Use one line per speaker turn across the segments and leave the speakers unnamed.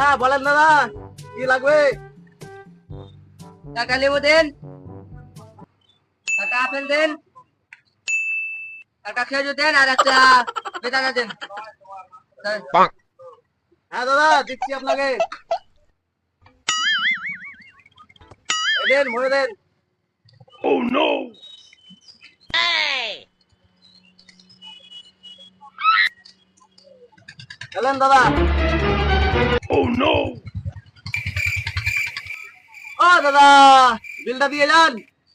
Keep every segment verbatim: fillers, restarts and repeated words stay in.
হ্যাঁ বলেন দাদা, কি লাগবে?
টাকা লেবু দেন, টাকা আপেল দেন, একটা খেজুর দেন, আর একটা বেদানা দেন।
হ্যাঁ দাদা দিচ্ছি আপনাকে। এই দেন, ভরে দেন। চলেন দাদা। ও দাদা, বিলটা দিয়ে যান।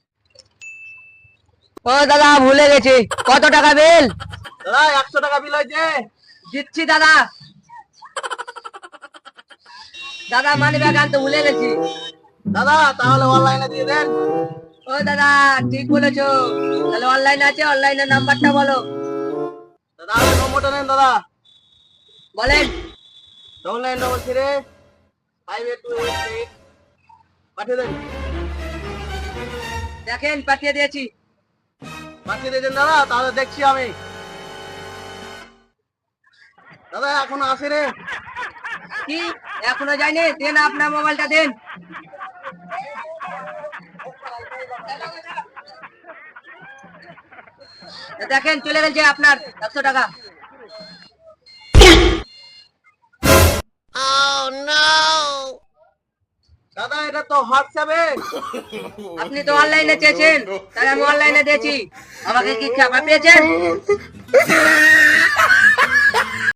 ও দাদা ভুলে গেছি, কত টাকা বিল?
দাদা একশো টাকা বিল হয়েছে।
দিচ্ছি দাদা। দাদা মানি ব্যাগ আনতে ভুলে গেছি।
দাদা তাহলে অনলাইনে দিয়ে দেন।
ও দাদা ঠিক বলেছো, তাহলে অনলাইন আছে, অনলাইনের নাম্বারটা বলো।
দাদা আমার নম্বরটা নেন দাদা।
বলেন।
Double nine double three five eight two eight eight, পাঠিয়ে দেন।
দেখেন পাঠিয়ে দিয়েছি।
পাঠিয়ে দিয়েছেন দাদা, তাহলে দেখছি আমি। দাদা এখনো আসে রে।
কি এখনো যায়নি? দেন আপনার মোবাইলটা দেন। দেখেন চলে গেছে আপনার একশো টাকা।
দাদা এটা তো হোয়াটসঅ্যাপে।
আপনি তো অনলাইনে চেয়েছেন, তাই আমি অনলাইনে দিয়েছি। আমাকে কি চাপা পেয়েছেন?